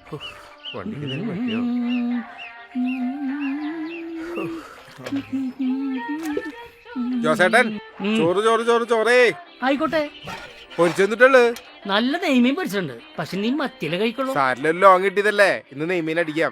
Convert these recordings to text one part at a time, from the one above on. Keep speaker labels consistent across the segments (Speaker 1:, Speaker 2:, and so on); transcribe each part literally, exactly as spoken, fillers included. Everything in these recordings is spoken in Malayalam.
Speaker 1: വണ്ടിക്ക് പറ്റിയോ? ജോസേട്ടൻ ചോറ് ചോറ് ചോറ് ചോറേ
Speaker 2: ആയിക്കോട്ടെ.
Speaker 1: പൊരിച്ചെന്നിട്ടുള്ളു.
Speaker 2: നല്ല നെയ്മീൻ പൊരിച്ചിട്ടുണ്ട്. പക്ഷെ നീ മത്തിയില കഴിക്കുള്ളൂ.
Speaker 1: സാരിലല്ലോ ലോങ് കിട്ടിയതല്ലേ, ഇന്ന് നെയ്മീൻ അടിക്കാം.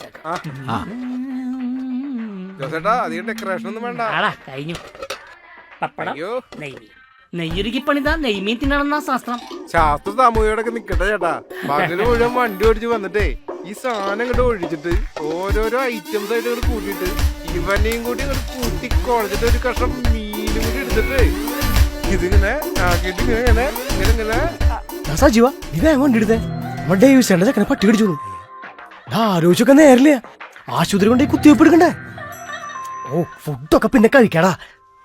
Speaker 1: ജോസേട്ടാ അധികം ഡെക്കറേഷൻ ഒന്നും വേണ്ട.
Speaker 2: കഴിഞ്ഞു. പപ്പടം, നെയ്മീൻ. നെയ്യൊരുക്കി പണിതാ നെയ്മീൻ തിന്നണമെന്നാ ശാസ്ത്രം.
Speaker 1: ശാസ്ത്ര സാമൂഹികയോടൊക്കെ നിക്കട്ടെ ചേട്ടാ. പകല് മുഴുവൻ വണ്ടി ഓടിച്ച് വന്നിട്ടേ ഈ സാധനം ഇങ്ങോട്ട് ഒഴിച്ചിട്ട് ഓരോരോ ഐറ്റംസ് ആയിട്ട് ഇങ്ങോട്ട് കൂട്ടിയിട്ട് ഇവനെയും കൂടി ഇങ്ങോട്ട് കൂട്ടി കുഴച്ചിട്ട് ഒരു കഷ്ണം മീനും കൂടി എടുത്തിട്ട് ഇതിങ്ങനെ ആക്കിയിട്ട് ഇങ്ങനെ ഇങ്ങനെ ഇങ്ങനെ ഇങ്ങനെ
Speaker 3: സജീവ ഇത് എങ്ങോട്ട് എടുത്തേ? നമ്മുടെ ഡേവിസേണ്ട ചക്കനെ പട്ടി കടിച്ചോളൂ. ആലോചിച്ചൊക്കെ നേരില്ല. ആശുപത്രി കൊണ്ട് കുത്തിവെപ്പ് എടുക്കണ്ടേ? ഓ ഫുഡൊക്കെ പിന്നെ കഴിക്കാടാ.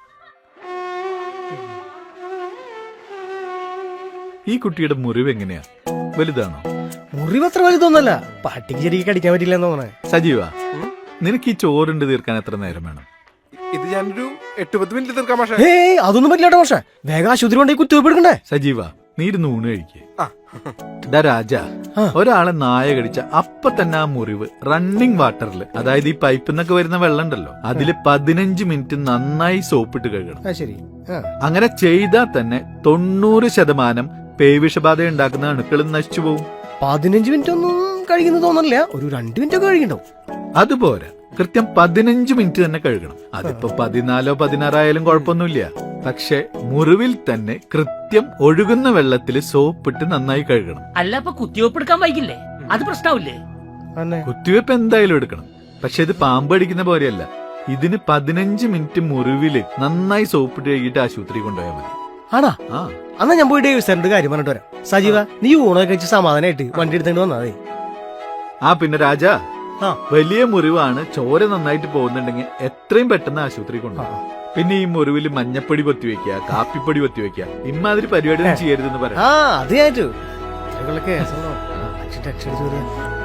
Speaker 4: ഈ കുട്ടിയുടെ മുറിവ് എങ്ങനെയാ? വലുതാണോ?
Speaker 3: മുറിവ് അത്ര വലുതൊന്നല്ല. പട്ടിക്ക് ശരിക്കും കടിക്കാൻ പറ്റില്ല എന്ന് തോന്നണേ.
Speaker 4: സജീവ, നിനക്ക് ഈ ചോറുണ്ട് തീർക്കാൻ എത്ര നേരം വേണം?
Speaker 1: ഇത് ഞാനൊരു എട്ട് പത്ത് മിനിറ്റ് തീർക്കാം. പക്ഷേ
Speaker 3: ഏയ് അതൊന്നും പറ്റില്ല പക്ഷേ. വേഗം ആശുപത്രി കൊണ്ട് കുത്തിവെപ്പ് എടുക്കണ്ടേ?
Speaker 4: സജീവ, നീ ഇരുന്ന് ഊണ് കഴിക്കേ. രാജ, ഒരാളെ നായ കടിച്ച അപ്പൊ തന്നെ ആ മുറിവ് റണ്ണിങ് വാട്ടറിൽ, അതായത് ഈ പൈപ്പിൽ നിന്നൊക്കെ വരുന്ന വെള്ളം ഉണ്ടല്ലോ, അതില് പതിനഞ്ച് മിനിറ്റ് നന്നായി സോപ്പിട്ട് കഴുകണം.
Speaker 3: ശരി.
Speaker 4: അങ്ങനെ ചെയ്താൽ തന്നെ തൊണ്ണൂറ് ശതമാനം പേവിഷബാധ ഉണ്ടാക്കുന്ന അണുക്കളും നശിച്ചു പോകും.
Speaker 3: പതിനഞ്ച് മിനിറ്റ് ഒന്നും കഴിക്കുന്ന തോന്നണില്ല. ഒരു രണ്ട് മിനിറ്റ് ഒക്കെ കഴിക്കണ്ടോ?
Speaker 4: അതുപോലെ കൃത്യം പതിനഞ്ച് മിനിറ്റ് തന്നെ കഴുകണം. അതിപ്പോ പതിനാലോ പതിനാറായാലും കുഴപ്പമൊന്നുമില്ല. പക്ഷെ മുറിവിൽ തന്നെ കൃത്യം ഒഴുകുന്ന വെള്ളത്തിൽ സോപ്പിട്ട് നന്നായി കഴുകണം.
Speaker 2: അല്ല അപ്പൊ കുത്തിവെപ്പ് എടുക്കാൻ വൈകില്ലേ? അത് പ്രശ്നമില്ലേ?
Speaker 4: കുത്തിവെപ്പ് എന്തായാലും എടുക്കണം. പക്ഷെ ഇത് പാമ്പ് അടിക്കുന്ന പോലെയല്ല. ഇതിന് പതിനഞ്ച് മിനിറ്റ് മുറിവില് നന്നായി സോപ്പിട്ട് കഴുകിയിട്ട് ആശുപത്രി കൊണ്ടുപോയാൽ മതി.
Speaker 3: ആണാ?
Speaker 4: ആ
Speaker 3: എന്നാ ഞാൻ പോയി ഡേവിസേന്റെ കാര്യം പറഞ്ഞിട്ട് വരാം. സജീവ, നീ ഊണൊക്കെ കഴിച്ച് സമാധാനമായിട്ട് വണ്ടി എടുത്തോണ്ട് വന്നാ.
Speaker 4: ആ പിന്നെ രാജ, വലിയ മുറിവാണ്, ചോര നന്നായിട്ട് പോകുന്നുണ്ടെങ്കിൽ എത്രയും പെട്ടെന്ന് ആശുപത്രി കൊണ്ടുപോകും. പിന്നെ ഈ മുറിവിൽ മഞ്ഞപ്പൊടി പൊത്തിവെക്കുക, കാപ്പിപ്പൊടി പൊത്തിവെക്കുക, ഇമാതിരി പരിപാടി ചെയ്യരുതെന്ന് പറയാം.
Speaker 3: ആ അത് ഞാൻ